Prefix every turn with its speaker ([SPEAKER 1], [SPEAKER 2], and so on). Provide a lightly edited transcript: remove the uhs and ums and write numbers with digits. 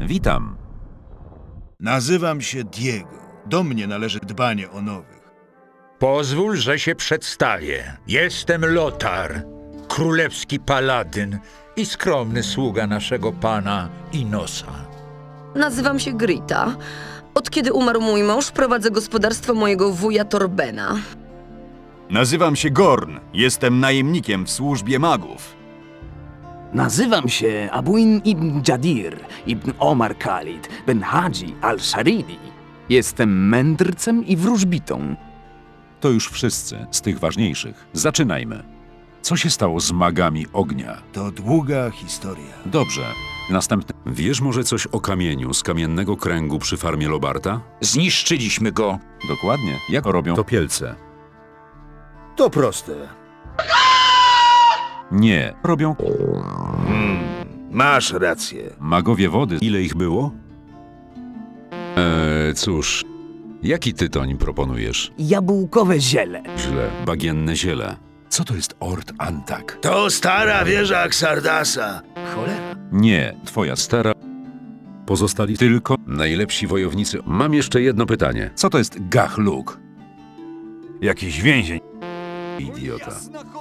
[SPEAKER 1] Witam.
[SPEAKER 2] Nazywam się Diego. Do mnie należy dbanie o nowych.
[SPEAKER 3] Pozwól, że się przedstawię. Jestem Lothar, królewski paladyn i skromny sługa naszego pana Inosa.
[SPEAKER 4] Nazywam się Grita. Od kiedy umarł mój mąż, prowadzę gospodarstwo mojego wuja Torbena.
[SPEAKER 5] Nazywam się Gorn. Jestem najemnikiem w służbie magów.
[SPEAKER 6] Nazywam się Abuin ibn Jadir ibn Omar Khalid ben Hadzi al-Sharidi. Jestem mędrcem i wróżbitą.
[SPEAKER 1] To już wszyscy z tych ważniejszych. Zaczynajmy. Co się stało z magami ognia?
[SPEAKER 2] To długa historia.
[SPEAKER 1] Dobrze. Następny. Wiesz może coś o kamieniu z kamiennego kręgu przy farmie Lobarta?
[SPEAKER 3] Zniszczyliśmy go.
[SPEAKER 1] Dokładnie. Jak robią topielce?
[SPEAKER 2] To proste.
[SPEAKER 1] Nie. Robią
[SPEAKER 2] Masz rację.
[SPEAKER 1] magowie wody. Ile ich było? Cóż. Jaki tytoń proponujesz?
[SPEAKER 6] Jabłkowe ziele.
[SPEAKER 1] Źle. Bagienne ziele. Co to jest Ord Antak?
[SPEAKER 2] To stara wieża Xardasa. Cholera.
[SPEAKER 1] Nie. Twoja stara... Pozostali tylko najlepsi wojownicy. Mam jeszcze jedno pytanie. Co to jest Gachluk?
[SPEAKER 5] Jakiś więzień.
[SPEAKER 1] Idiota.